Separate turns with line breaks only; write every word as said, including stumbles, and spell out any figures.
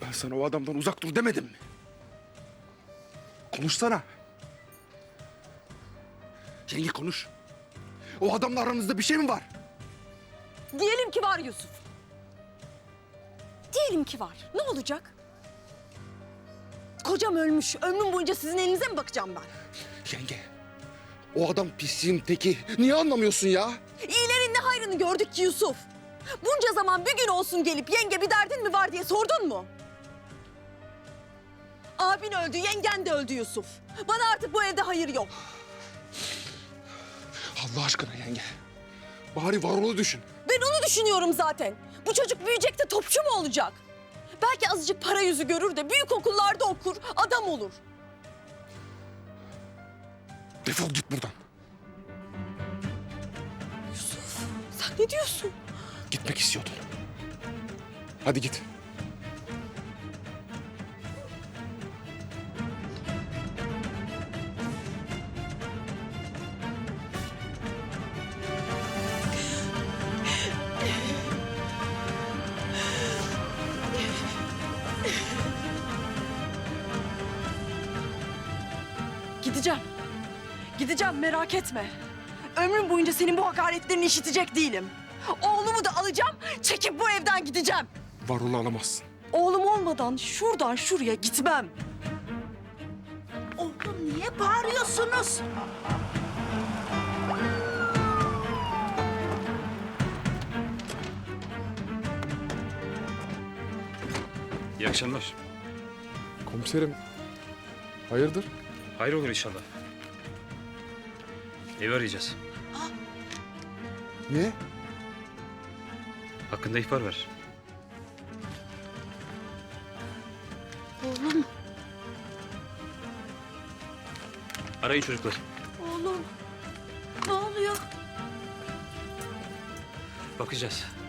Ben sana o adamdan uzak dur demedim mi? Konuşsana. Yenge konuş. O adamla aranızda bir şey mi var?
Diyelim ki var Yusuf. Diyelim ki var. Ne olacak? Kocam ölmüş. Ömrüm boyunca sizin elinize mi bakacağım ben?
Yenge, o adam pisliğin teki. Niye anlamıyorsun ya?
İyilerin ne hayrını gördük ki Yusuf? Bunca zaman bir gün olsun gelip yenge bir derdin mi var diye sordun mu? Abin öldü, yengen de öldü Yusuf. Bana artık bu evde hayır yok.
Allah aşkına yenge. Bari Varol'u düşün.
Ben onu düşünüyorum zaten. Bu çocuk büyüyecek de topçu mu olacak? Belki azıcık para yüzü görür de büyük okullarda okur, adam olur.
Defol git buradan.
Yusuf, sen ne diyorsun?
Gitmek istiyordun. Hadi git.
Gideceğim. Gideceğim, merak etme. Ömrüm boyunca senin bu hakaretlerini işitecek değilim. Oğlumu da alacağım, çekip bu evden gideceğim.
Varol'u alamazsın.
Oğlum olmadan şuradan şuraya gitmem.
Oğlum niye bağırıyorsunuz?
İyi akşamlar.
Komiserim, hayırdır?
Hayır olur inşallah. Evi arayacağız.
Niye?
Hakkında ihbar ver.
Oğlum,
Arayın çocuklar.
oğlum. Ne oluyor?
Bakacağız.